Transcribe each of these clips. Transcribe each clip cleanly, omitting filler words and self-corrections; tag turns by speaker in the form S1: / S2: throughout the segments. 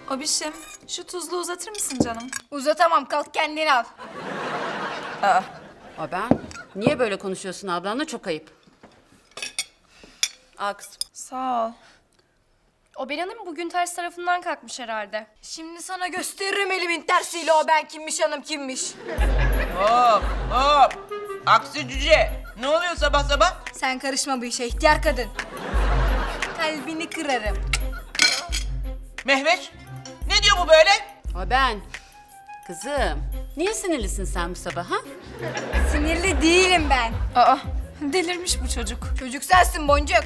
S1: Abişim, şu tuzlu uzatır mısın canım?
S2: Uzatamam, kalk kendini al.
S3: Ben? Niye böyle konuşuyorsun ablanla? Çok ayıp. Al kızım.
S1: Sağ ol.
S2: O Hanım bugün ters tarafından kalkmış herhalde. Şimdi sana gösteririm elimin tersiyle o ben kimmiş hanım kimmiş.
S4: Hop hop. Aksi cüce. Ne oluyor sabah sabah?
S2: Sen karışma bu işe ihtiyar kadın. Kalbini kırarım.
S4: Mehveş. Ne diyor bu böyle?
S3: Ben. Kızım, niye sinirlisin sen bu sabah ha?
S2: Sinirli değilim ben.
S1: Aa, delirmiş bu çocuk.
S2: Çocuk sensin Boncuk.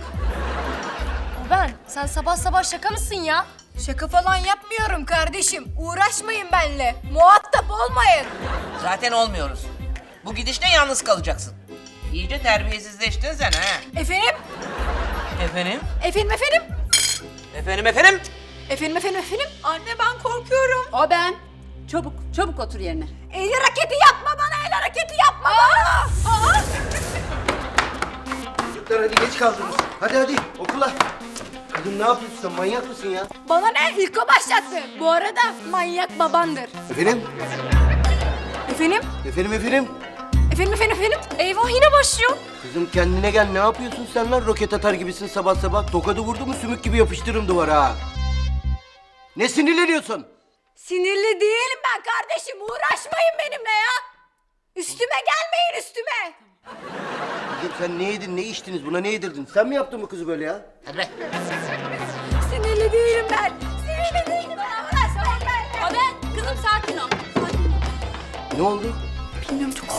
S5: Sen sabah sabah şaka mısın ya?
S2: Şaka falan yapmıyorum kardeşim. Uğraşmayın benimle. Muhatap olmayın.
S4: Zaten olmuyoruz. Bu gidişle yalnız kalacaksın. İyice terbiyesizleştin sen ha.
S2: Efendim?
S4: Efendim?
S2: Efendim efendim?
S4: Efendim efendim?
S2: Efendim? Anne ben korkuyorum.
S3: O ben. Çabuk, çabuk otur yerine.
S2: El hareketi yapma bana, el hareketi yapma bana.
S6: Çocuklar hadi geç kaldınız. Hadi okula. Kızım ne yapıyorsun sen? Manyak mısın ya?
S2: Bana ne? İlk o başlattı. Bu arada manyak babandır.
S6: Efendim?
S2: Efendim?
S6: Efendim?
S2: Eyvah yine başlıyor.
S6: Kızım kendine gel. Ne yapıyorsun sen lan? Roket atar gibisin sabah sabah. Tokadı vurdu mu sümük gibi yapıştırırım duvara ha. Ne sinirleniyorsun?
S2: Sinirli değilim ben kardeşim. Uğraşmayın benimle ya. Üstüme gelmeyin üstüme.
S6: Kızım sen ne yedin, ne içtiniz? Buna ne yedirdin? Sen mi yaptın bu kızı böyle ya?
S4: Hadi be.
S2: Sinirli değilim ben. Sinirli değilim ben. Uğraşmayın benimle.
S3: Ben, kızım sakin ol. Sakin ol.
S6: Ne oldu?
S2: Bilmiyorum çok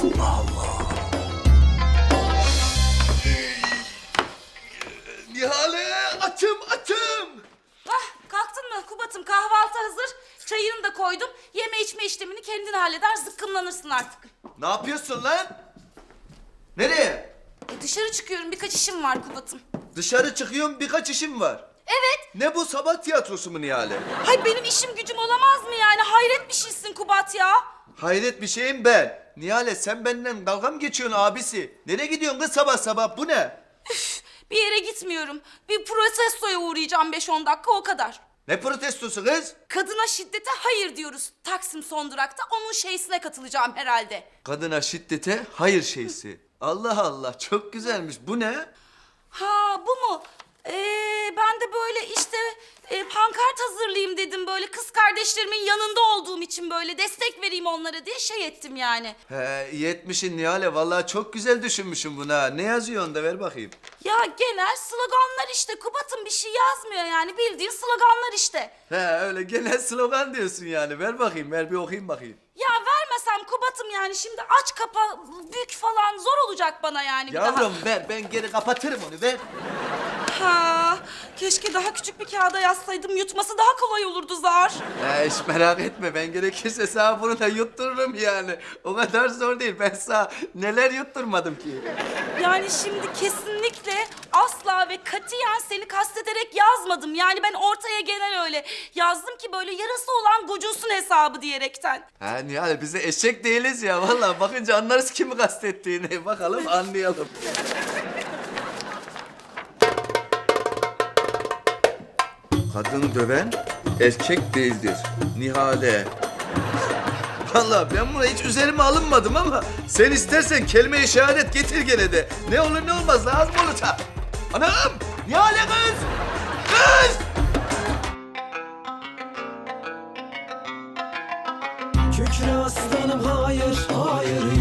S6: Nihale açım.
S7: Kalktın mı Kubat'ım? Kahvaltı hazır. Çayını da koydum. Yeme içme işlemini kendin halleder, zıkkımlanırsın artık.
S8: Ne yapıyorsun lan? Nereye?
S7: Dışarı çıkıyorum, birkaç işim var Kubat'ım.
S8: Dışarı çıkıyorum, birkaç işim var.
S7: Evet.
S8: Ne bu, sabah tiyatrosu mu Nihale?
S7: Hay benim işim gücüm olamaz mı yani? Hayret bir şeysin Kubat ya.
S8: Hayret bir şeyim ben. Nihale sen benden dalga mı geçiyorsun abisi? Nereye gidiyorsun kız sabah sabah, bu ne?
S7: Bir yere gitmiyorum. Bir protestoya uğrayacağım 5-10 dakika, o kadar.
S8: Ne protestosu kız?
S7: Kadına şiddete hayır diyoruz Taksim son durakta. Onun şeysine katılacağım herhalde.
S8: Kadına şiddete hayır şeysi. Allah Allah, çok güzelmiş. Bu ne?
S7: Ha bu mu? Ben de böyle işte pankart hazırlayayım dedim, böyle kız kardeşlerimin yanında olduğum için böyle destek vereyim onlara diye şey ettim yani.
S8: He, iyi etmişsin Nihale. Vallahi çok güzel düşünmüşsün buna. Ne yazıyor onda, ver bakayım.
S7: Ya genel sloganlar işte Kubat'ım, bir şey yazmıyor yani, bildiğin sloganlar işte.
S8: He, öyle genel slogan diyorsun yani. Ver bakayım, ver bir okuyayım bakayım.
S7: Ya vermesem Kubat'ım yani, şimdi aç kapa bük falan zor olacak bana yani bir daha.
S8: Yavrum ver, ben geri kapatırım onu, ver.
S7: Ha, keşke daha küçük bir kağıda yazsaydım, yutması daha kolay olurdu zar.
S8: Hiç merak etme, ben gerekirse sana bunu da yuttururum yani. O kadar zor değil, ben sana neler yutturmadım ki.
S7: Yani şimdi kesinlikle asla ve katiyen seni kastederek yazmadım. Yani ben ortaya genel öyle yazdım ki böyle yarası olan gocunsun hesabı diyerekten.
S8: Ha Nihal, biz de eşek değiliz ya. Vallahi bakınca anlarız kimi kastettiğini. Bakalım, anlayalım. Kadın döven erkek değildir. Nihale. Vallahi ben buna hiç üzerime alınmadım ama sen istersen kelime-i şehadet getir gene de. Ne olur ne olmaz, lazım olacak. Anam! Nihale kız! Kız!
S9: Kükre aslanım hayır, hayır